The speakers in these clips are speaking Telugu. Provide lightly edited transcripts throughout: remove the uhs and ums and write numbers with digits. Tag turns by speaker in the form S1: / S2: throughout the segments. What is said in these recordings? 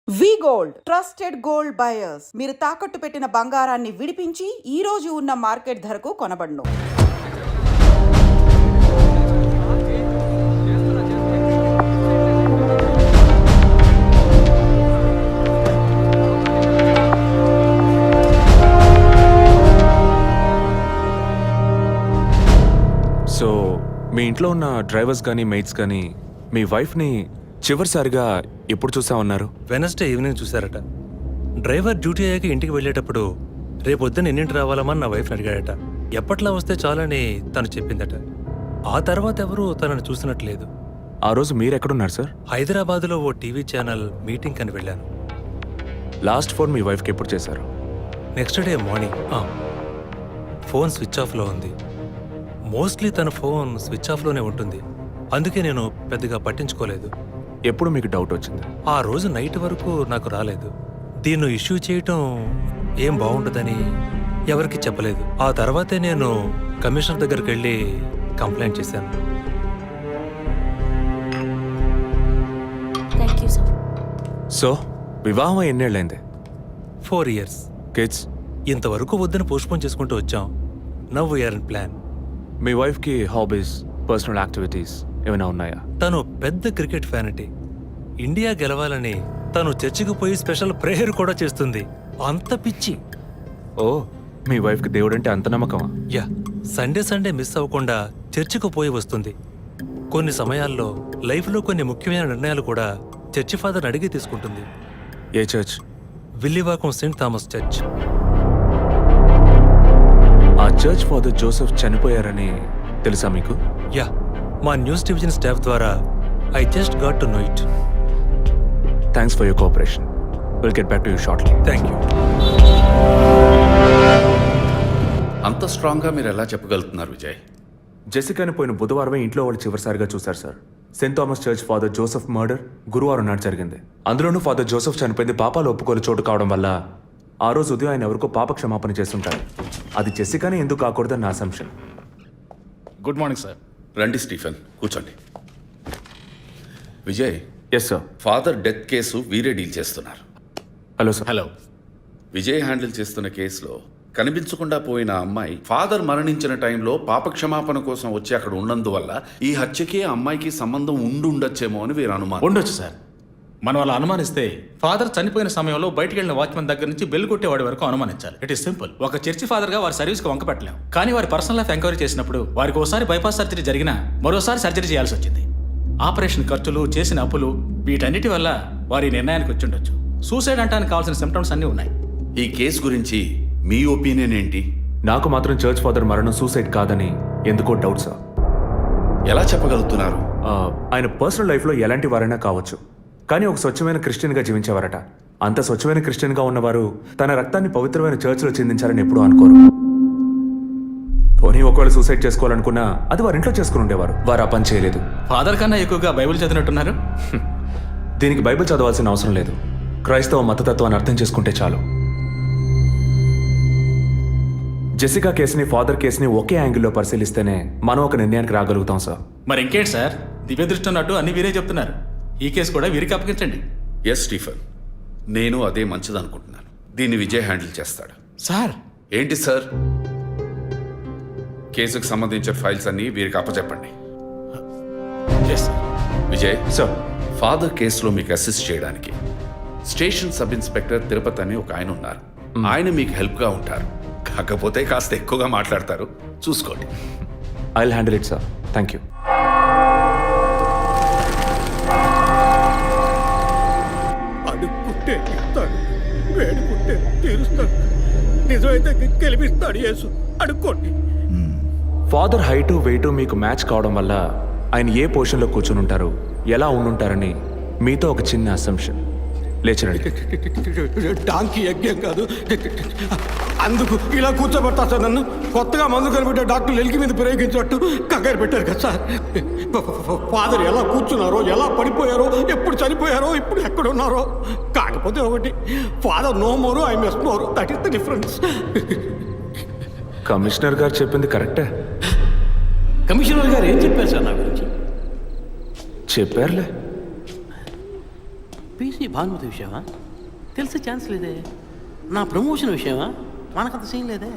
S1: వి గోల్డ్ ట్రస్టెడ్ గోల్డ్ బయర్స్. మీరు తాకట్టు పెట్టిన బంగారాన్ని విడిపించి ఈ రోజు ఉన్న మార్కెట్ ధరకు కొనబడును.
S2: సో మీ ఇంట్లో ఉన్న డ్రైవర్స్ కానీ మెయిట్స్ కానీ మీ వైఫ్ని చివరిసారిగా ఎప్పుడు చూసా ఉన్నారు?
S3: వెనస్డే ఈవినింగ్ చూశారట. డ్రైవర్ డ్యూటీ అయ్యాక ఇంటికి వెళ్ళేటప్పుడు రేపొద్దున ఎన్నింటి రావాలమని నా వైఫ్ని అడిగాడట. ఎప్పట్లా వస్తే చాలని తను చెప్పిందట. ఆ తర్వాత ఎవరూ తనను చూసినట్లేదు.
S2: ఆ రోజు మీరు ఎక్కడున్నారు సార్?
S3: హైదరాబాద్లో ఓ టీవీ ఛానల్ మీటింగ్ అని వెళ్ళాను.
S2: లాస్ట్ ఫోన్ మీ వైఫ్కి ఎప్పుడు చేశారు?
S3: Next day morning. Phone switch ఆఫ్లో ఉంది. మోస్ట్లీ తన ఫోన్ స్విచ్ ఆఫ్లోనే ఉంటుంది. అందుకే నేను పెద్దగా పట్టించుకోలేదు.
S2: ఎప్పుడు మీకు డౌట్ వచ్చింది?
S3: ఆ రోజు నైట్ వరకు నాకు రాలేదు. దీన్ని ఇష్యూ చేయటం ఏం బాగుంటుందని ఎవరికి చెప్పలేదు. ఆ తర్వాతే నేను కమిషనర్ దగ్గరికి వెళ్ళి కంప్లైంట్ చేశాను.
S2: సో వివాహం ఎన్నేళ్ళైంది?
S3: 4 years.
S2: కిడ్స్?
S3: ఇంతవరకు వద్దని పోస్ట్పోన్ చేసుకుంటూ వచ్చాం. Now we're in plan.
S2: మీ వైఫ్కి హాబీస్, పర్సనల్ యాక్టివిటీస్ ఏమైనా ఉన్నాయా?
S3: తను పెద్ద క్రికెట్ ఫ్యానిటీ. ఇండియా గెలవాలని తను చర్చికి పోయి స్పెషల్ ప్రేయర్ కూడా చేస్తుంది. అంత పిచ్చి.
S2: ఓ, మీ వైఫ్కి దేవుడు అంటే అంత నమ్మకమా?
S3: యా, సండే మిస్ అవ్వకుండా చర్చికి పోయి వస్తుంది. కొన్ని సమయాల్లో లైఫ్లో కొన్ని ముఖ్యమైన నిర్ణయాలు కూడా చర్చి ఫాదర్ని అడిగి తీసుకుంటుంది.
S2: ఏ church?
S3: Villivakkam saint Thomas church.
S2: ఆ చర్చ్ ఫాదర్ జోసెఫ్ చనిపోయారని తెలుసా మీకు?
S3: యా, మా న్యూస్ డివిజన్ స్టాఫ్ ద్వారా I just got to know it.
S2: Thanks for your cooperation. Will get back to you shortly.
S3: Thank you.
S4: అంత స్ట్రాంగ్గా మీరు ఎలా చెప్పగలుగుతున్నారు విజయ్?
S2: జెసికాని పోయిన బుధవారమే ఇంట్లో వాళ్ళు చివరిసారిగా చూశారు sir. Saint Thomas church father Joseph murder గురువారం నాడు జరిగింది. అందులోనూ ఫాదర్ జోసెఫ్ చనిపోయింది పాపాలు ఒప్పుకోలు చోటు కావడం వల్ల ఆ రోజు ఉదయం ఆయన ఎవరికో పాప క్షమాపణ చేస్తుంటారు. అది జెసికాని ఎందుకు కాకూడదని నా అసంప్షన్.
S5: Good morning sir.
S4: రండి స్టీఫెన్, కూర్చోండి. Vijay,
S2: yes sir.
S4: Father death case వీరే డీల్ చేస్తున్నారు.
S2: Hello sir.
S5: Hello.
S4: Vijay handle చేస్తున్న కేసులో కనిపించకుండా పోయిన అమ్మాయి ఫాదర్ మరణించిన టైంలో పాప క్షమాపణ కోసం వచ్చి అక్కడ ఉన్నందువల్ల ఈ హత్యకి ఆ అమ్మాయికి సంబంధం ఉండొచ్చేమో అని వీరు అనుమానం.
S5: ఉండొచ్చు సార్. మనం అలా అనుమానిస్తే ఫాదర్ చనిపోయిన సమయంలో బయటికి వెళ్ళిన వాచ్మెన్ దగ్గర నుంచి బెల్ కొట్టేవాడి వరకు అనుమానించాలి. It is simple. ఒక చర్చి ఫాదర్ గా వారి సర్వీస్కి వంక పెట్టలేం. కానీ వారి పర్సనల్ లైఫ్ ఎంక్వైరీ చేసినప్పుడు వారికి ఒకసారి బైపాస్ సర్జరీ జరిగినా మరోసారి సర్జరీ చేయాల్సి వచ్చింది. ఆపరేషన్ ఖర్చులు, చేసిన అప్పులు, వీటన్నిటి వల్ల వారి నిర్ణయానికి వచ్చి ఉండొచ్చు. సూసైడ్ అంటానికి కావాల్సిన సిమ్టమ్స్ అన్నీ ఉన్నాయి.
S4: ఈ కేసు గురించి మీ ఒపీనియన్ ఏంటి?
S2: నాకు మాత్రం చర్చ్ ఫాదర్ మరణం సూసైడ్ కాదని ఎందుకో డౌట్ సార్.
S4: ఎలా చెప్పగలుగుతున్నారు?
S2: ఆయన పర్సనల్ లైఫ్లో ఎలాంటి వారైనా కావచ్చు, కానీ ఒక స్వచ్ఛమైన క్రిస్టియన్గా జీవించేవారట. అంత స్వచ్ఛమైన క్రిస్టియన్గా ఉన్నవారు తన రక్తాన్ని పవిత్రమైన చర్చ్లో చిందించారని ఎప్పుడూ అనుకోరు. పోనీ ఒకవేళ సూసైడ్ చేసుకోవాలనుకున్నా అది వారి ఇంట్లో చేసుకుని ఉండేవారు. వారు ఆ పని చేయలేదు.
S5: ఫాదర్ కన్నా ఎక్కువగా బైబిల్ చదివినట్టున్నారు.
S2: దీనికి బైబిల్ చదవాల్సిన అవసరం లేదు. క్రైస్తవ మతతత్వాన్ని అర్థం చేసుకుంటే చాలు. జెసికా కేసుని, ఫాదర్ కేసుని ఒకే యాంగిల్లో పరిశీలిస్తేనే మనం ఒక నిర్ణయానికి రాగలుగుతాం సార్.
S5: మరి ఇంకేంటి సార్, దివ్య దృష్టి ఉన్నట్టు అన్ని వీరే చెప్తున్నారు. ఈ కేసు కూడా వీరికి అప్పగించండి.
S4: ఎస్ స్టీఫెన్, నేను అదే మంచిదనుకుంటున్నాను. దీన్ని విజయ్ హ్యాండిల్ చేస్తాడు.
S5: సార్.
S4: ఏంటి సార్? కేసుకు సంబంధించిన ఫైల్స్ అన్ని వీరికి అప్పచెప్పండి. విజయ్
S2: సార్,
S4: ఫాదర్ కేసులో మీకు అసిస్ట్ చేయడానికి స్టేషన్ సబ్ ఇన్స్పెక్టర్ తిరుపతి అని ఒక ఆయన ఉన్నారు. ఆయన మీకు హెల్ప్గా ఉంటారు. కాకపోతే కాస్త ఎక్కువగా మాట్లాడతారు, చూసుకోండి.
S2: I will handle it sir. Thank you.
S6: అడుక్కుంటే ఇస్తాడు, వేడుకుంటే తీరుస్తాడు, నిజమైతే గెలిపిస్తాడు యేసు. అడుక్కోండి.
S2: ఫాదర్ హైటు వెయిటు మీకు మ్యాచ్ కావడం వల్ల ఆయన ఏ పొజిషన్లో కూర్చుని ఉంటారు, ఎలా ఉండుంటారని మీతో ఒక చిన్న అసంప్షన్. లేచరండి.
S6: డాంకీ యజ్ఞం కాదు, అందుకు ఇలా కూర్చోబెడతా సార్ నన్ను. కొత్తగా మందు కనిపెట్టే డాక్టర్లు ఎలికి మీద ప్రయోగించినట్టు కంగారు పెట్టారు కదా సార్. ఫాదర్ ఎలా కూర్చున్నారో, ఎలా పడిపోయారో, ఎప్పుడు చనిపోయారో, ఇప్పుడు ఎక్కడున్నారో. కాకపోతే ఒకటి, father no more, I miss more. That is the difference.
S2: Commissioner గారు చెప్పింది కరెక్టే.
S6: కమిషనర్ గారు ఏం చెప్పారు సార్ నా గురించి?
S2: చెప్పారులే.
S7: పీసీ భానుమతి విషయమా? తెలిసే ఛాన్స్ లేదే. నా ప్రమోషన్ విషయమా? మనకంత సీన్ లేదే.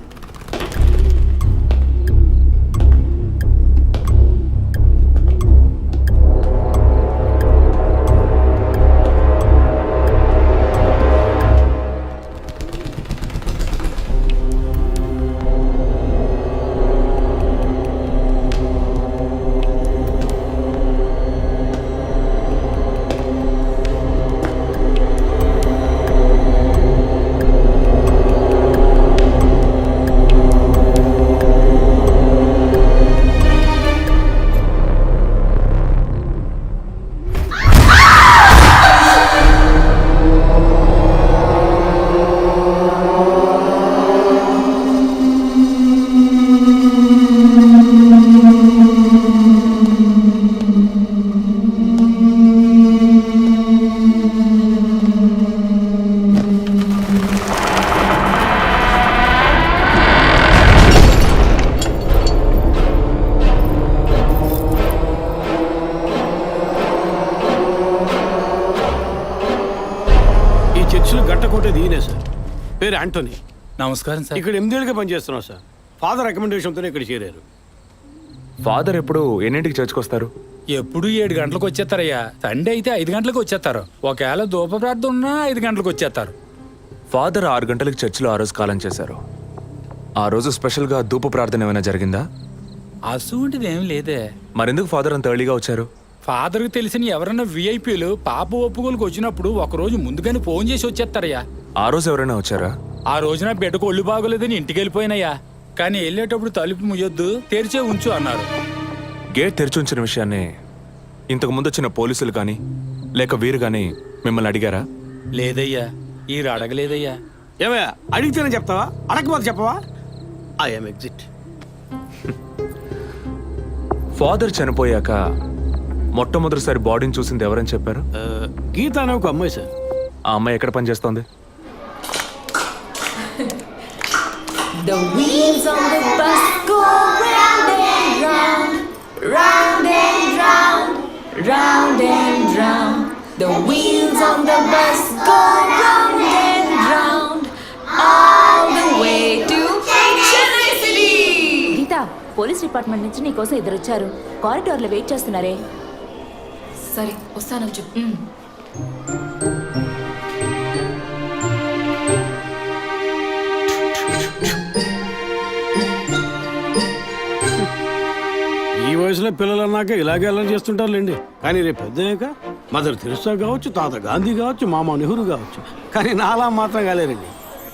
S6: గట్టకోటేది ఈయనే సార్. పేరు యాంటోనీ.
S8: నమస్కారం సార్.
S6: ఇక్కడ 8 ఏళ్ళుగా పనిచేస్తున్నాం సార్. ఫాదర్ రికమెండేషన్తోనే ఇక్కడ చేరారు.
S2: ఫాదర్ ఎప్పుడు ఎన్నింటికి చర్చ్కి వస్తారు?
S8: ఎప్పుడు 7 గంటలకు వచ్చేస్తారయ్యా. సండే అయితే 5 గంటలకు వచ్చేస్తారు. ఒకవేళ ధూప ప్రార్థన ఉన్నా 5 గంటలకు వచ్చేస్తారు.
S2: ఫాదర్ 6 గంటలకు చర్చిలో ఆ రోజు కాలం చేశారు. ఆ రోజు స్పెషల్గా ధూప ప్రార్థన ఏమైనా జరిగిందా?
S8: అసువంటిది ఏం లేదే.
S2: మరెందుకు ఫాదర్ అంత ఎర్లీగా వచ్చారు?
S8: ఫాదర్కి తెలిసిన ఎవరైనా విఐపీలు పాప ఒప్పుకోలకు వచ్చినప్పుడు ఒకరోజు ముందుగానే ఫోన్ చేసి వచ్చేస్తారయ్యా.
S2: ఆ రోజు ఎవరైనా వచ్చారా?
S8: ఆ రోజున బిడ్డకు ఒళ్ళు బాగోలేదని ఇంటికి వెళ్ళిపోయినయ్యా. కానీ వెళ్ళేటప్పుడు తలుపు ముయ్యొద్దు, తెరిచే ఉంచు అన్నారు.
S2: గేట్ తెరిచి ఉంచిన విషయాన్ని ఇంతకు ముందు వచ్చిన పోలీసులు కానీ లేక వీరు కానీ మిమ్మల్ని అడిగారా?
S8: లేదయ్యా, ఈ అడగలేదయ్యా.
S6: ఏమయ్యా అడిగితేనే చెప్తావా, అడగకపోతే చెప్పవా? I'm exit.
S2: ఫాదర్ చనిపోయాక మొట్టమొదటిసారి బాడీని చూసింది ఎవరని చెప్పారు?
S6: గీత అనే ఒక అమ్మాయి సార్.
S2: ఆ అమ్మాయి ఎక్కడ పనిచేస్తోంది?
S9: The wheels on the bus go round and round, round and round, round and round. The wheels on the bus go round and round, all the way to Chennai City.
S10: Geetha, police department నుంచి నీకోసం ఇద్దరు వచ్చారు. కారిడార్లో వెయిట్ చేస్తున్నారే.
S9: సరే వస్తానని చెప్పు.
S6: ఈ వయసులో పిల్లలు అన్నాక ఇలాగే అల్లరి చేస్తుంటారులేండి. కానీ రేపు పెద్దయ్యాక మదర్ తెరిసా కావచ్చు, తాత గాంధీ కావచ్చు, మామ నెహ్రూ కావచ్చు. కానీ నాలా మాత్రం కాలేరండి.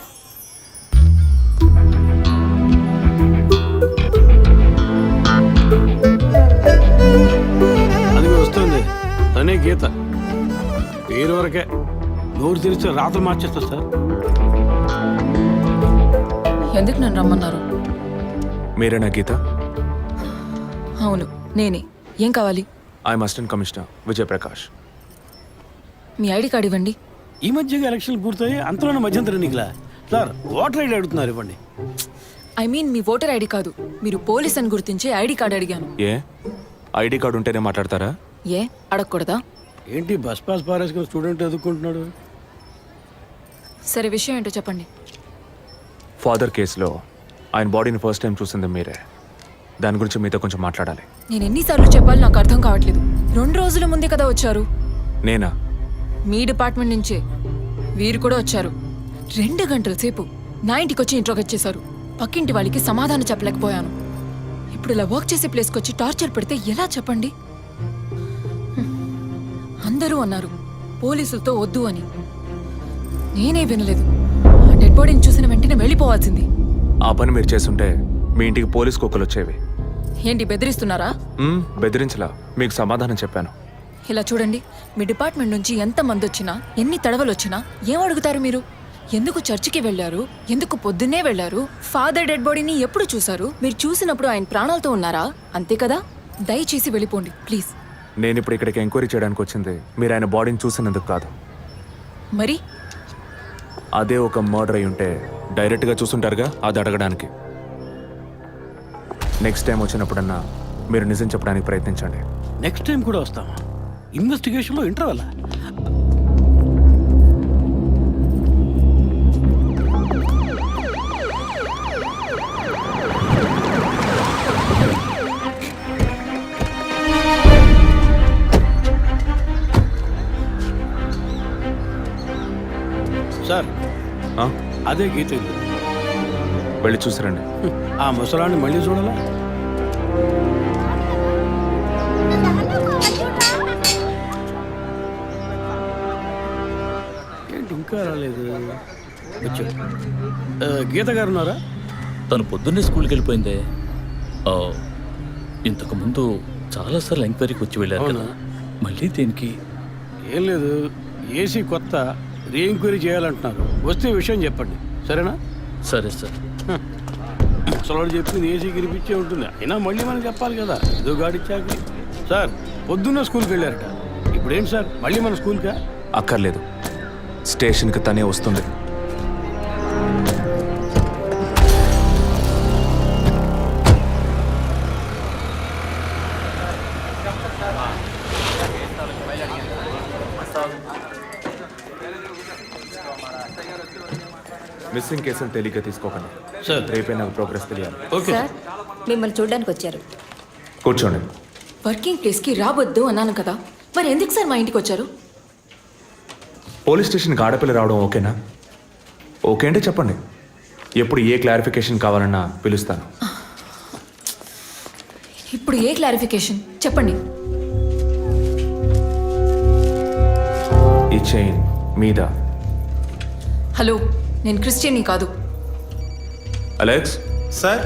S6: అది వస్తుంది తనే గీత. పేరు వరకే, నోరు తెరిస్తే రాత్రి మార్చేస్తా సార్.
S9: ఎందుకు నన్ను రమ్మన్నారు?
S2: మీరేనా గీత?
S9: అవును నేనే. ఏం కావాలి?
S2: I'm assistant commissioner Vijayaprakash.
S9: మీ ఐడి కార్డ్ ఇవ్వండి.
S6: ఈ మధ్యగా ఎలక్షన్లు పూర్తయి అంతలోనే మధ్యంతర ఎన్నికలా సార్. ఓటర్ ఐడి అడుగుతున్నారు, ఇవ్వండి.
S9: ఐ మీన్ మీ ఓటర్ ఐడి కాదు, మీరు పోలీస్ అని గుర్తించే ఐడి కార్డ్ అడిగాను.
S2: ఏ ఐడి కార్డు ఉంటేనే మాట్లాడతారా?
S9: ఏ అడగకూడదా?
S6: ఏంటి బస్ పాస్ పారేసుకుని స్టూడెంట్ ఎదుర్కొంటున్నాడు?
S9: సరే విషయం ఏంటో చెప్పండి.
S2: ఫాదర్ కేసులో ఆయన బాడీని ఫస్ట్ టైం చూసింది మీరే. దాని గురించి మీతో కొంచెం మాట్లాడాలి.
S9: నేను ఎన్నిసార్లు చెప్పాలి, నాకు అర్థం కావట్లేదు. 2 రోజుల ముందే కదా వచ్చారు.
S2: నేనా?
S9: మీ డిపార్ట్మెంట్ నుంచే వీరు కూడా వచ్చారు. 2 గంటల సేపు నా ఇంటికి వచ్చి ఇంట్రోగేట్ చేశారు. పక్కింటి వాళ్ళకి సమాధానం చెప్పలేకపోయాను. ఇప్పుడు ఇలా వర్క్ చేసే ప్లేస్కి వచ్చి టార్చర్ పెడితే ఎలా చెప్పండి? అందరూ అన్నారు పోలీసులతో వద్దు అని. నేనే వినలేదు. ఆ డెడ్ బాడీని చూసిన వెంటనే వెళ్ళిపోవాల్సింది.
S2: ఆ పని మీరు చేస్తుంటే మీ ఇంటికి పోలీస్ కుక్కలు వచ్చేవి.
S9: ఏంటి బెదిరిస్తున్నారా?
S2: బెదిరించలా, మీకు సమాధానం చెప్పాను.
S9: ఇలా చూడండి, మీ డిపార్ట్మెంట్ నుంచి ఎంతమంది వచ్చినా, ఎన్ని తడవలు వచ్చినా ఏం అడుగుతారు మీరు? ఎందుకు చర్చికి వెళ్ళారు? ఎందుకు పొద్దున్నే వెళ్ళారు? ఫాదర్ డెడ్ బాడీని ఎప్పుడు చూశారు? మీరు చూసినప్పుడు ఆయన ప్రాణాలతో ఉన్నారా? అంతే కదా. దయచేసి వెళ్ళిపోండి ప్లీజ్.
S2: నేను ఇప్పుడు ఇక్కడికి ఎంక్వైరీ చేయడానికి వచ్చింది మీరు ఆయన బాడీని చూసినందుకు కాదు.
S9: మరి
S2: అదే ఒక మర్డర్ అయి ఉంటే డైరెక్ట్గా చూసుంటారుగా, అది అడగడానికి. నెక్స్ట్ టైం వచ్చినప్పుడన్నా మీరు నిజం చెప్పడానికి ప్రయత్నించండి.
S6: నెక్స్ట్ టైం కూడా వస్తామా? ఇన్వెస్టిగేషన్లో ఇంటర్వల్. సార్
S2: ఆ?
S6: అదే గీత ఇల్లు.
S2: వెళ్ళి చూసిరండి.
S6: ఆ ముసలాన్ని మళ్ళీ చూడాలా? ఏంటి ఇంకా రాలేదు? వచ్చాడు. గీత గారు ఉన్నారా?
S11: తను పొద్దున్నే స్కూల్కి వెళ్ళిపోయిందే. ఇంతకు ముందు చాలాసార్లు ఎంక్వైరీకి వచ్చి వెళ్ళారు కదా, మళ్ళీ దేనికి?
S6: ఏం లేదు, ఏసీ కొత్త రీ ఎంక్వైరీ చేయాలంటున్నారు. వస్తే విషయం చెప్పండి, సరేనా?
S11: సరే సార్.
S6: ముసలాడు చెప్పింది ఏసీ గిరిపించే ఉంటుంది, అయినా మళ్ళీ మనం చెప్పాలి కదా, ఏదో గాడిచ్చాక. సార్ పొద్దున్న స్కూల్కి వెళ్ళారట, ఇప్పుడేం సార్ మళ్ళీ మన స్కూల్కా?
S2: అక్కర్లేదు, స్టేషన్కి తనే వస్తుంది. మిస్సింగ్ కేసులు తేలిగ్గా తీసుకోకండి
S6: సార్
S2: రేపే నాకు ప్రోగ్రెస్ తెలియాలి.
S6: ఓకే
S9: సార్ మిమ్మల్ని చూడడానికి వచ్చారు.
S2: కూర్చోండి.
S9: వర్కింగ్ ప్లేస్కి రావద్దు అన్నాను కదా, మరి ఎందుకు సార్ మా ఇంటికి వచ్చారు?
S2: పోలీస్ స్టేషన్కి ఆడపిల్ల రావడం ఓకేనా? ఓకే అంటే చెప్పండి, ఎప్పుడు ఏ క్లారిఫికేషన్ కావాలన్నా పిలుస్తాను.
S9: ఇప్పుడు ఏ క్లారిఫికేషన్ చెప్పండి.
S2: ఈ చైన్ మీద.
S9: హలో, నేను క్రిస్టియన్ని కాదు.
S2: Alex
S12: sir.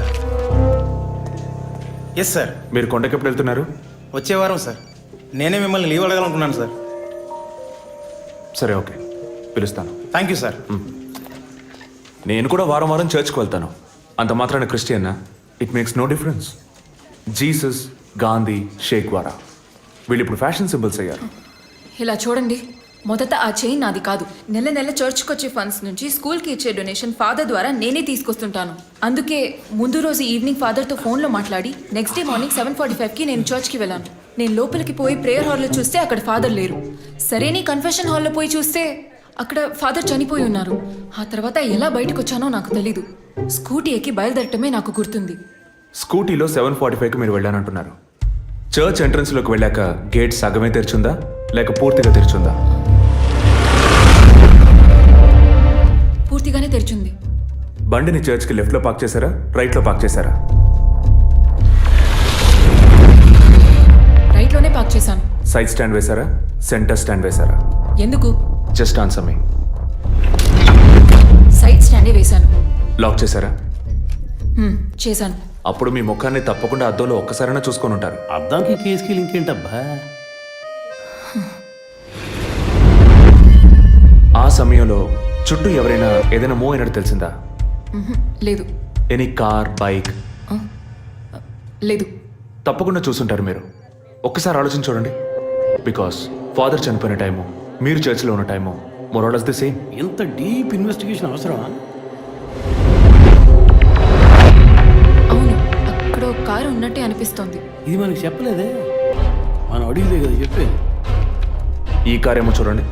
S12: Yes sir.
S2: మీరు కొండకి ఎప్పుడు వెళ్తున్నారు?
S12: వచ్చే వారం సార్. నేనే మిమ్మల్ని లీవ్ అడగాలనుకున్నాను సార్.
S2: సరే ఓకే, పిలుస్తాను.
S12: Thank you sir.
S2: నేను కూడా వారం వారం చర్చ్కి వెళ్తాను. అంత మాత్రాన క్రిస్టియన్నా? It makes no difference. Jesus, Gandhi, షేక్ వారా వీళ్ళు ఇప్పుడు ఫ్యాషన్ సింబల్స్ అయ్యారు.
S9: ఇలా చూడండి, మొదట ఆ చైన్ నాది కాదు. నెల నెల చర్చ్కి వచ్చే ఫండ్స్ నుంచి స్కూల్కి ఇచ్చే డొనేషన్ ఫాదర్ ద్వారా నేనే తీసుకొస్తుంటాను. అందుకే ముందు రోజు ఈవినింగ్ ఫాదర్తో ఫోన్లో మాట్లాడి నెక్స్ట్ డే మార్నింగ్ 7:45కి నేను చర్చ్కి వెళ్ళాను. నేను లోపలికి పోయి ప్రేయర్ హాల్లో చూస్తే అక్కడ ఫాదర్ లేరు. సరే నీ కన్ఫెషన్ హాల్లో పోయి చూస్తే అక్కడ ఫాదర్ చనిపోయి ఉన్నారు. ఆ తర్వాత ఎలా బయటకు వచ్చానో నాకు తెలీదు. స్కూటీ ఎక్కి బయలుదేరటమే నాకు గుర్తుంది.
S2: స్కూటీలో 7:45కి మీరు వెళ్ళానంటున్నారు. చర్చ్ ఎంట్రన్స్లోకి వెళ్ళాక గేట్ సగమే తెరిచుందా లేక పూర్తిగా తెరిచుందా?
S9: పూర్తిగానే తెరిచింది.
S2: బండిని చర్చ్కి లెఫ్ట్లో పార్క్ చేశారా, రైట్లో పార్క్ చేశారా?
S9: రైట్లోనే పార్క్ చేశాను.
S2: సైడ్ స్టాండ్ వేశారా, సెంటర్ స్టాండ్ వేశారా?
S9: ఎందుకు?
S2: Just answer me.
S9: సైడ్ స్టాండే వేశాను.
S2: లాక్ చేశారా?
S9: చేశాను.
S2: అప్పుడు మీ ముఖాన్ని తప్పకుండా అద్దంలో ఒక్కసారైనా చూసుకొని ఉంటారు.
S6: అద్దానికి కేసుకి లింక్ ఏంటబ్బా?
S2: ఆ సమయంలో చుట్టూ ఎవరైనా ఏదైనా మూవ్ అయినట్టు తెలిసిందా?
S9: లేదు.
S2: Any car, bike?
S9: లేదు.
S2: తప్పకుండా చూసుంటారు మీరు. ఒక్కసారి ఆలోచించి చూడండి. బికాస్ ఫాదర్ చనిపోయిన టైము, మీరు చర్చిలో ఉన్న టైము మోరాలస్ ది సేమ్.
S6: ఎంత డీప్ ఇన్వెస్టిగేషన్ అవసరమా?
S9: అవును, అక్కడ ఒక కారు ఉన్నట్టే అనిపిస్తోంది.
S6: ఇది మనకి చెప్పలేదే, మనం అడిగితే కదా చెప్పేది.
S2: ఈ కార్ ఏమో చూడండి.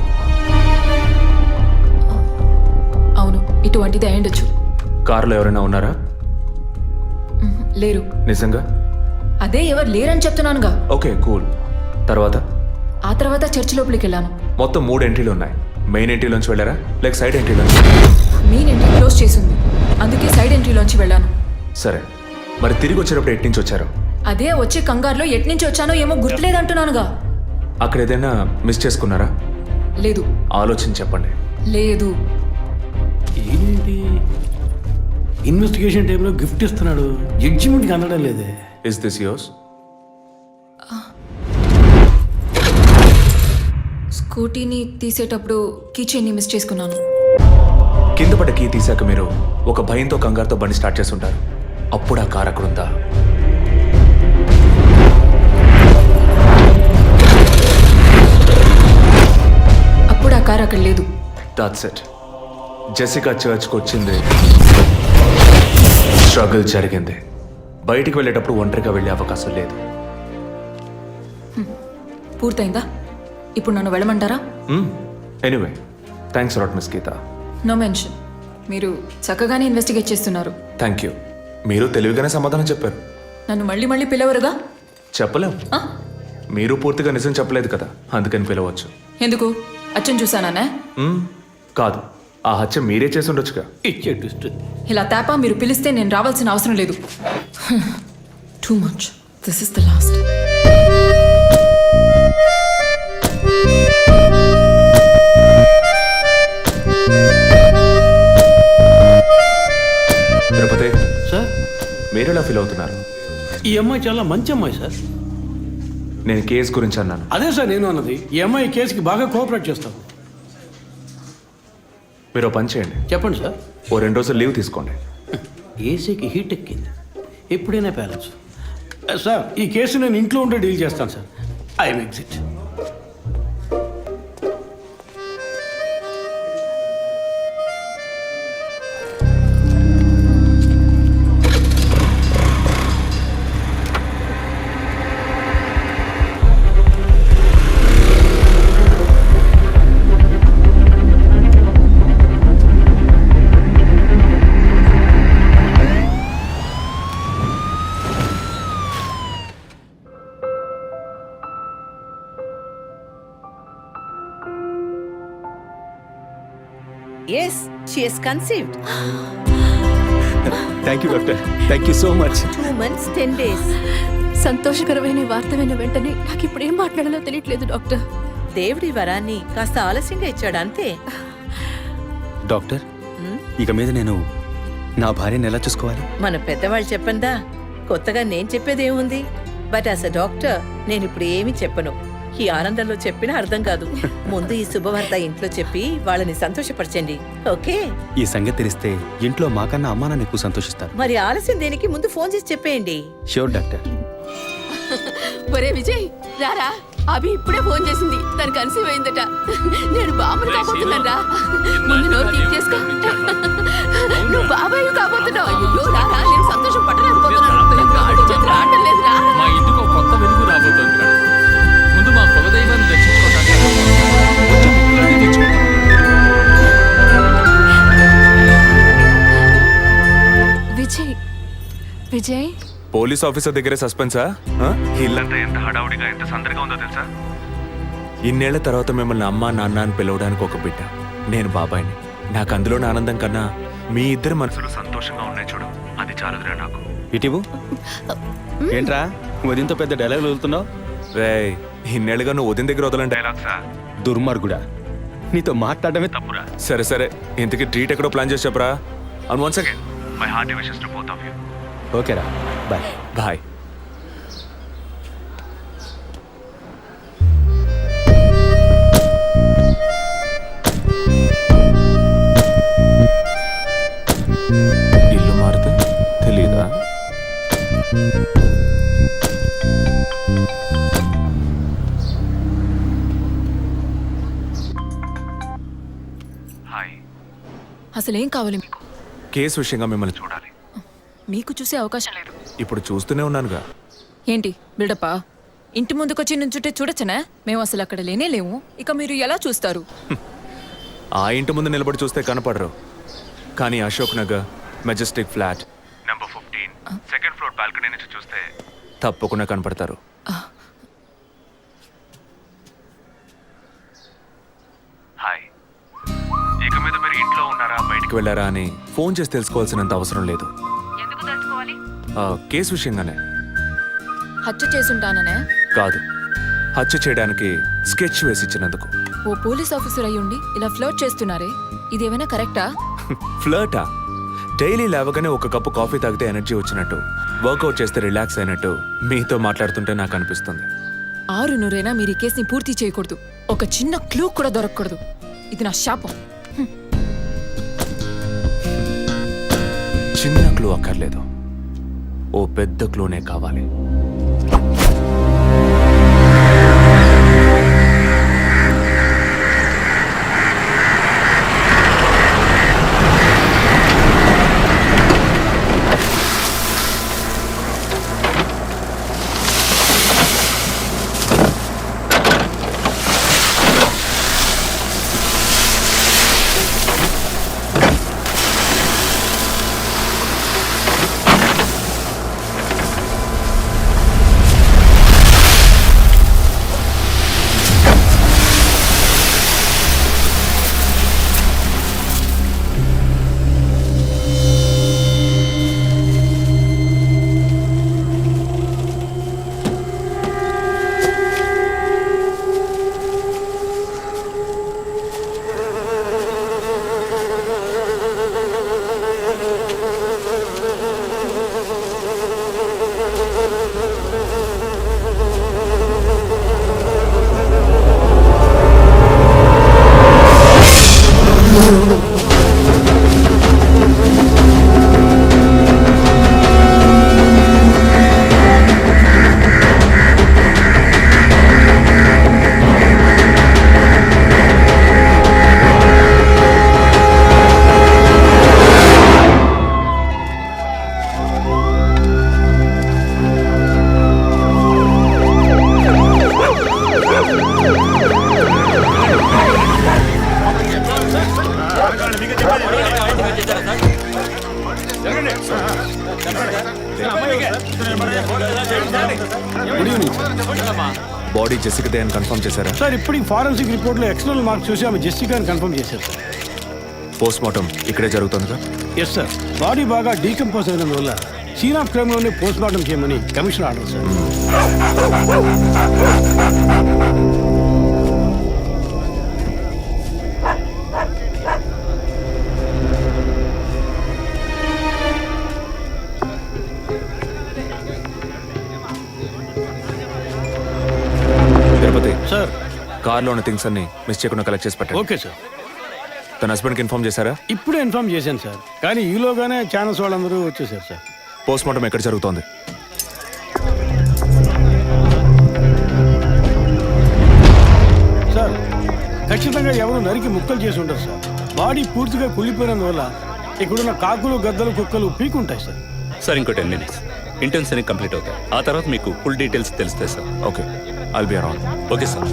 S9: అవును, ఇటువంటిది అయ్యుండొచ్చు.
S2: కారులో ఎవరైనా ఉన్నారా?
S9: లేరు.
S2: నిజంగా?
S9: అదే ఎవరు లేరని చెప్తున్నానుగా.
S2: Okay cool. తర్వాత?
S9: ఆ తర్వాత చర్చ్ లోపలికి వెళ్ళాను.
S2: మొత్తం 3 ఎంట్రీలు ఉన్నాయి. మెయిన్ ఎంట్రీలోంచి వెళ్ళారా లేక సైడ్ ఎంట్రీలోంచి?
S9: మెయిన్ ఎంట్రీ క్లోజ్ చేసింది, అందుకే సైడ్ ఎంట్రీలోంచి వెళ్ళాను.
S2: సరే, మరి తిరిగి వచ్చేటప్పుడు ఎట్నుంచి వచ్చారు?
S9: అదే వచ్చే కంగారులో ఎట్నుంచి వచ్చానో ఏమో గుర్తులేదంటున్నానుగా.
S2: అక్కడ ఏదైనా మిస్ చేసుకున్నారా?
S9: లేదు.
S2: ఆలోచించి చెప్పండి.
S9: లేదు.
S6: ఏంటి ఇన్వెస్టిగేషన్ టైంలో గిఫ్ట్ ఇస్తున్నాడు, జడ్జిమెంట్కి అందడం లేదే.
S2: Is this yours?
S9: స్కూటీని తీసేటప్పుడు కీచైన్ని మిస్ చేసుకున్నాను.
S2: కింద పడ్డ కీ తీసాక మీరు ఒక భయంతో కంగారుతో బండి స్టార్ట్ చేస్తుంటారు. అప్పుడు ఆ కార్ అక్కడుందా?
S9: అప్పుడు ఆ కారు అక్కడ లేదు.
S2: That's it. జెసికా చర్చ్కి వచ్చింది, స్ట్రగుల్ జరిగింది. బయటికి వెళ్ళేటప్పుడు ఒంటరిగా వెళ్ళే అవకాశం లేదు.
S9: పూర్తయిందా? ఇప్పుడు నన్ను వెళ్ళమంటారా?
S2: Anyway, thanks lot miss Geetha.
S9: No mention. మీరు చక్కగానే ఇన్వెస్టిగేట్ చేస్తున్నారు.
S2: Thank you. మీరు తెలివిగానే సమాధానం చెప్పారు.
S9: నన్ను మళ్ళీ మళ్ళీ పిలవరుగా?
S2: చెప్పలేం.
S9: ఆ?
S2: మీరు పూర్తిగా నిజం చెప్పలేదు కదా, అందుకని పిలవచ్చు.
S9: ఎందుకు? అచ్చం చూసానా?
S2: కాదు, ఆ హత్య మీరే చేసి ఉండొచ్చుగా.
S6: ఇచ్చే ట్విస్ట్.
S9: ఇలా తేపా మీరు పిలిస్తే నేను రావాల్సిన అవసరం లేదు. Too much. This is the last.
S2: Tirupati,
S6: sir,
S2: మీరు ఎలా ఫీల్ అవుతున్నారు?
S6: ఈ అమ్మాయి చాలా మంచి అమ్మాయి సార్.
S2: నేను కేసు గురించి అన్నాను.
S6: అదే సార్ నేను అన్నది. ఈ అమ్మాయి కేసుకి బాగా కోఆపరేట్ చేస్తాం.
S2: మీరు ఓ పని చేయండి,
S6: చెప్పండి సార్.
S2: ఓ 2 రోజులు లీవ్ తీసుకోండి.
S6: ఏసీకి హీట్ ఎక్కింది, ఎప్పుడైనా ప్యాలెన్స్. సార్, ఈ కేసు నేను ఇంట్లో ఉంటే డీల్ చేస్తాను sir. I'm exit.
S7: Yes, she has conceived.
S12: Thank you doctor, thank you so much.
S7: 2 months, 10 days.
S10: సంతోషకరమైన వార్త విన్న వెంటనే నాకు ఇప్పుడు ఏం మాట్లాడాలో తెలియట్లేదు డాక్టర్.
S7: దేవుడి వరాన్ని కాస్త ఆలస్యంగా ఇచ్చాడు అంతే.
S12: డాక్టర్, ఇక మీద నేను నా భార్యను ఎలా చూసుకోవాలి?
S7: మన పెద్దవాళ్ళు చెప్పందా, కొత్తగా నేను చెప్పేదేముంది. బట్ యాజ్ అ డాక్టర్ నేను ఇప్పుడు ఏమీ చెప్పను. ఈ ఆనందంలో చెప్పినా అర్థం కాదు. ముందు ఈ శుభవార్త ఇంట్లో చెప్పి వాళ్ళని సంతోషపరచండి, ఓకే?
S12: ఈ సంగతి తెలిస్తే ఇంట్లో మాకన్నా అమ్మా నాన్న ఎక్కువ సంతోషిస్తారు.
S7: మరి ఆలస్యం దేనికి, ముందు ఫోన్ చేసి చెప్పేయండి.
S12: Sure doctor.
S10: ఒరే విజయ్, రారా. అభి ఇప్పుడే ఫోన్ చేసింది, తను కన్సీవ్ అయిందట. నేను బాబుని కాబోతున్నాను రా. ముందు నోరు తీపి చేసుకో. నువ్వు బాబాయ్ కాబోతున్నావు. అయ్యో రారా, నేను సంతోషం పట్టలేకపోతున్నాను. ఆడు చేతులు ఆడటం లేదు రా.
S8: మా ఇంటికి ఒక కొత్త వెలుగు రాబోతోంది. ముందు మా కులదైవాన్ని దర్శించుకోవడానికి వచ్చే ముక్కులన్నీ తీర్చుకుంటాం.
S10: విజయ్, విజయ్,
S2: పోలీస్ ఆఫీసర్ దగ్గరే సస్పెన్సా? ఇల్లంతా ఎంత హడావుడిగా, ఎంత సందడిగా ఉందో తెలుసా? ఇన్నేళ్ల తర్వాత మిమ్మల్ని అమ్మా నాన్న అని పిలవడానికి ఒక బిడ్డ. నేను బాబాయిని. నాకు అందులోని ఆనందం కన్నా మీ ఇద్దరు మనసులు సంతోషంగా ఉన్నాయి చూడు, అది చాలదురా నాకు.
S12: ఇటీవు ఏంట్రా ఉదయంతో పెద్ద డైలాగులు వదులుతున్నావు?
S2: రే, ఇన్నేళ్ళుగా నువ్వు ఉదయం దగ్గర వదలని డైలాగ్సా?
S12: దుర్మార్గుడా, నీతో మాట్లాడమే తప్పురా.
S2: సరే సరే, ఇంతకీ ట్రీట్ ఎక్కడో ప్లాన్ చేసి చెప్పరా. And once again my hearty wishes to both of you.
S12: ఓకేరా, బాయ్.
S2: బాయ్. ఇల్లు మారితే తెలీదా? హాయ్.
S10: అసలేం కావాలి మీకు?
S2: కేసు విషయంగా మిమ్మల్ని చూడాలి.
S10: మీకు చూసే అవకాశం లేదు.
S2: ఇప్పుడు చూస్తూనే ఉన్నానుగా.
S10: ఏంటి బిల్డప్పా? ఇంటి ముందుకొచ్చి నుంచుంటే చూడొచ్చనా? మేము అసలు అక్కడ లేనే లేము. ఇక మీరు ఎలా చూస్తారు?
S2: ఆ ఇంటి ముందు నిలబడి చూస్తే కనపడరు, కానీ Ashok Nagar Majestic flat number 15 second floor balcony నుంచి చూస్తే తప్పకుండా కనపడతారు. హాయ్. ఇక మీద మీరు ఇంట్లో ఉన్నారా, బయటికి వెళ్ళారా అని ఫోన్ చేసి తెలుసుకోవాల్సినంత అవసరం లేదు. కేసు విషయంగానే.
S10: హత్య చేసుంటాననే
S2: కాదు, హత్య చేయడానికి స్కెచ్ వేసి ఇచ్చినందుకు.
S10: ఓ పోలీస్ ఆఫీసర్ అయ్యుండి ఇలా ఫ్లర్ట్ చేస్తున్నారే, ఇదేమైనా కరెక్టా?
S2: ఫ్లర్టా? డైలీ లేవగానే ఒక కప్పు కాఫీ తాగితే ఎనర్జీ వచ్చినట్టు, వర్కౌట్ చేస్తే రిలాక్స్ అయినట్టు మీతో మాట్లాడుతుంటే నాకు అనిపిస్తుంది.
S10: 6 మీరు ఈ కేసుని పూర్తి చేయకూడదు. ఒక చిన్న క్లూ కూడా దొరకకూడదు. ఇది నా శాపం.
S2: చిన్న క్లూ అక్కర్లేదు, ఓ పెద్ద క్లూనే కావాలి.
S6: Good evening sir.
S2: బాడీ జెసికాదే అని కన్ఫర్మ్ చేశారా?
S6: సార్ ఇప్పుడు ఫారెన్సిక్ రిపోర్ట్లో ఎక్స్టర్నల్ మార్క్స్ చూసి ఆమె జెసికా అని కన్ఫర్మ్ చేశారు సార్.
S2: పోస్ట్ మార్టం ఇక్కడే జరుగుతుందిగా?
S6: Yes sir. బాడీ బాగా డీకంపోజ్ అయినందువల్ల సీన్ ఆఫ్ క్రైమ్లోనే పోస్ట్ మార్టం చేయమని commission order sir.
S2: Tirupati
S6: sir
S2: కార్లో ఉన్న థింగ్స్ అన్ని మిస్ చేయకుండా కలెక్ట్ చేసి పెట్టండి.
S6: Okay sir.
S2: తన హస్బెండ్కి ఇన్ఫార్మ్ చేశారా?
S6: ఇప్పుడే ఇన్ఫార్మ్ చేశాను సార్, కానీ ఈలోగానే ఛానల్స్ వాళ్ళందరూ వచ్చేసారు సార్.
S2: పోస్ట్ మార్టం ఎక్కడ జరుగుతోంది?
S6: సార్ ఖచ్చితంగా ఎవరు నరికి ముక్కలు చేసి ఉంటారు సార్. బాడీ పూర్తిగా కుళ్ళిపోయినందువల్ల ఇక్కడున్న కాకులు గద్దలు కుక్కలు పీకుంటాయి సార్.
S11: సార్ ఇంకో 10 minutes ఇంటర్న్స్ అన్ని కంప్లీట్ అవుతాయి. ఆ తర్వాత మీకు ఫుల్ డీటెయిల్స్ తెలుస్తాయి sir.
S2: Okay, I'll be around.
S11: Okay sir.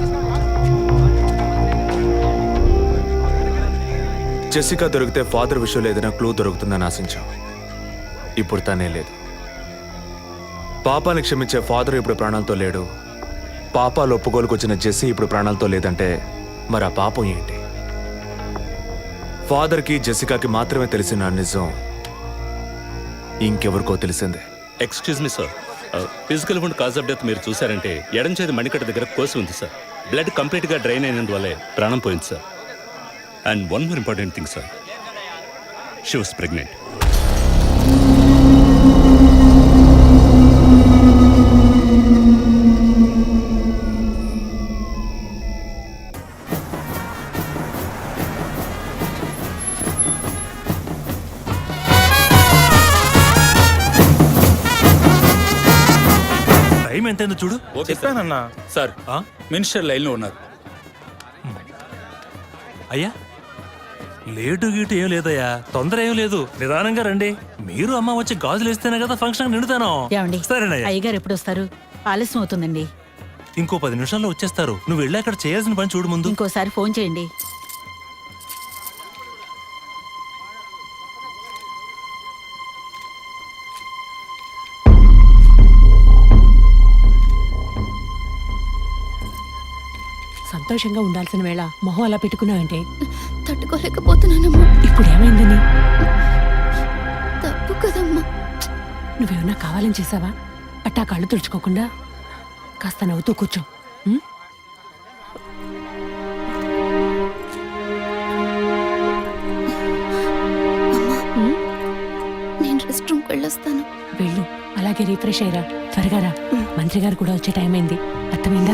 S2: Jessica దొరికితే ఫాదర్ విషయంలో ఏదైనా క్లూ దొరుకుతుందని ఆశించాం. ఇప్పుడు తనే లేదు. పాపాన్ని క్షమించే ఫాదర్ ఇప్పుడు ప్రాణాలతో లేడు. పాపాలు ఒప్పుకోలుకు వచ్చిన జెస్సీ ఇప్పుడు ప్రాణాలతో లేదంటే మరి ఆ పాపం ఏంటి? ఫాదర్కి జెసికాకి మాత్రమే తెలిసిన నిజం ఇంకెవరికో తెలిసిందే.
S11: Excuse me sir, physical wound cause of death మీరు చూసారంటే ఎడం చేతి మణికట్ట దగ్గర కోసి ఉంది సార్. బ్లడ్ కంప్లీట్గా డ్రైన్ అయినందువల్లే ప్రాణం పోయింది sir. And one more important thing sir, she was pregnant.
S3: Time ఎంతైందో చూడు.
S8: చెప్పానన్నా
S3: సార్
S8: మినిస్టర్ లైన్లో ఉన్నారు.
S3: అయ్యా లేటు గీటు ఏం లేదయ్యా, తొందర ఏం లేదు, నిదానంగా రండి. మీరు అమ్మ వచ్చి గాజులు వేస్తేనే కదా ఫంక్షన్ నిండుతాను. సరేనయ్యా.
S10: అయ్యగారు ఎప్పుడు వస్తారు? ఆలస్యం అవుతుందండి.
S3: ఇంకో 10 నిమిషాల్లో వచ్చేస్తారు. నువ్వు వెళ్ళి అక్కడ చేయాల్సిన పని చూడు ముందు.
S10: ఇంకోసారి ఫోన్ చేయండి. సంతోషంగా ఉండాల్సిన వేళ మొహం అలా పెట్టుకున్నావంటే
S9: తట్టుకోలేకపోతున్నానమ్మా.
S10: ఇప్పుడు ఏమైందని?
S9: తప్పు కదమ్మా.
S10: నువ్వేమన్నా కావాలని చేసావా? అట్టా కళ్ళు తుడుచుకోకుండా కాస్త నవ్వుతూ కూర్చో. ఉం?
S9: నేను రెస్ట్ రూమ్కి వెళ్ళొస్తాను.
S10: వెళ్ళు, అలాగే రీఫ్రెష్ అయ్యరా. త్వరగా రా, మంత్రి గారు కూడా వచ్చే టైం అయింది. అర్థమైందా?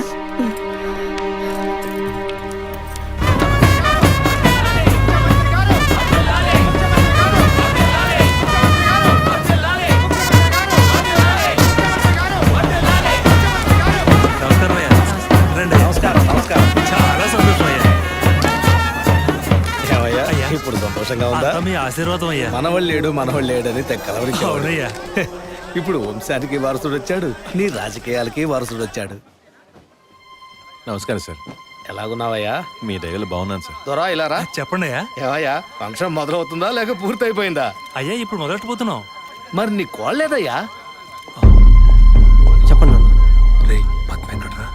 S3: చాలా సంతోషం అయ్యా.
S6: ఇప్పుడు సంతోషంగా ఉందా?
S3: అంతా మీ ఆశీర్వాదం అయ్యా.
S6: మనవాళ్ళు లేడు అని తెక్కలవరికి.
S3: అవునయ్యా.
S6: ఇప్పుడు వంశానికి వారసుడు వచ్చాడు, నీ రాజకీయాలకి వారసుడు వచ్చాడు.
S12: నమస్కారం సార్.
S6: ఎలాగున్నావయ్యా?
S12: మీ దగ్గర బాగున్నాను సార్.
S6: దొరా ఇలా రా.
S3: చెప్పండి అయ్యా.
S6: ఏవయ్యా, ఫంక్షన్ మొదలవుతుందా లేక పూర్తయిపోయిందా?
S3: అయ్యా ఇప్పుడు మొదలెట్టబోతున్నాం.
S6: మరి నీ కోళ్ళేదయ్యా?
S12: చెప్పండి నాన్న.
S3: రే పద్మ ఎక్కడ్రా?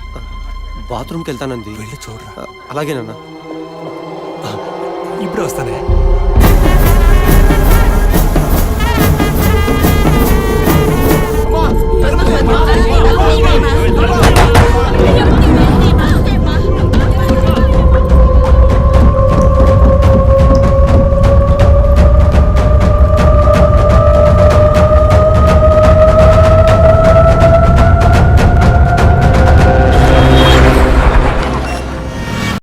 S12: బాత్రూమ్కి వెళ్తానంది.
S3: వెళ్ళి చూడరా.
S12: అలాగేనన్నా.
S3: ఇప్పుడే వస్తానే.